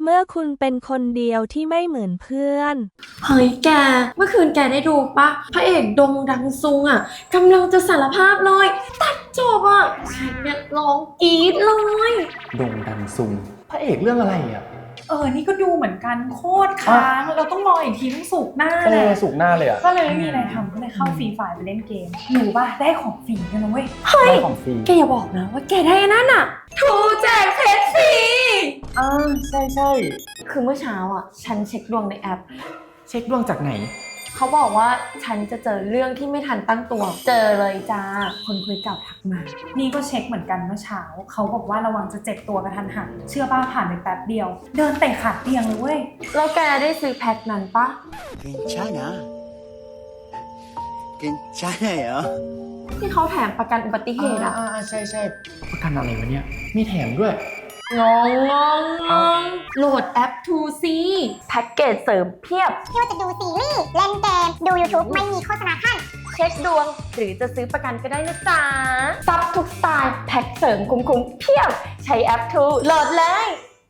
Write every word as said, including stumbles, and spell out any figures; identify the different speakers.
Speaker 1: เมื่อคุณเป็นคนเดียวที่ไม่เหมือนเพื่อน
Speaker 2: เฮ้ยแก เมื่อคืนแกได้ดูปะพระเอกดงดังซุงอ่ะกำลังจะสารภาพเลยตัดจบอ่ะฉันเนี่ยร้องกรี๊ดเลย
Speaker 3: โด่งดังซุงพระเอกเรื่องอะไรอ่ะ
Speaker 4: เออ นี่ก็ดูเหมือนกันโคตรค้าง เราต้องรออีกทีต้องสุกร์หน้า
Speaker 3: เอ
Speaker 4: แหละ
Speaker 3: อสุกหน้าเลยอ่ะ
Speaker 4: ก็เลยไม่มีอะไรทำก็เลยเข้าฟรีไฟล์ไปเล่นเกมหนูป่ะได้ของฟรีกันนะเว้ย
Speaker 3: ได้ของฟรี
Speaker 2: แกอย่าบอกนะว่าแกได้อันนั่นอ่ะทูแจกเพชรฟรี
Speaker 3: อ่าใช่ใช่
Speaker 2: คือเมื่อเช้าอ่ะ ฉันเช็คดวงในแอป
Speaker 3: เช็คดวงจากไหน
Speaker 2: เขาบอกว่าฉันจะเจอเรื่องที่ไม่ทันตั้งตัว เจอเลยจ้า คนคุยเก่าทักมา
Speaker 4: นี่ก็เช็คเหมือนกันเมื่อเช้าเขาบอกว่าระวังจะเจ็บตัวกระทันหันเชื่อป้าผ่านไปแป๊บเดียว เดินเตะขาเตียงเลยเว้ย
Speaker 2: แล้วแกได้ซื้อแพ็คนั้นปะ
Speaker 5: 괜찮아. 괜찮아요.
Speaker 2: ที่เขาแถมประกันอุบัติเหตุอะ
Speaker 3: อ่าใช่ใช่ประกันอะไรวะเนี่ย มีแถมด้วย
Speaker 2: งงงงงงโหลดแอป ทู ซี แพ็กเกจเสริมเพียบ
Speaker 6: ไม่ว่าจะดูซีรีส์ เล่นเกม ดู YouTube ไม่มีโฆษณาขั้น
Speaker 2: เช็คดวง หรือจะซื้อประกันก็ได้นะจ๊ะซับทุกสไตล์ แพ็กเสริมคุ้มๆเพียบ ใช้แอป ทู โหลดเลย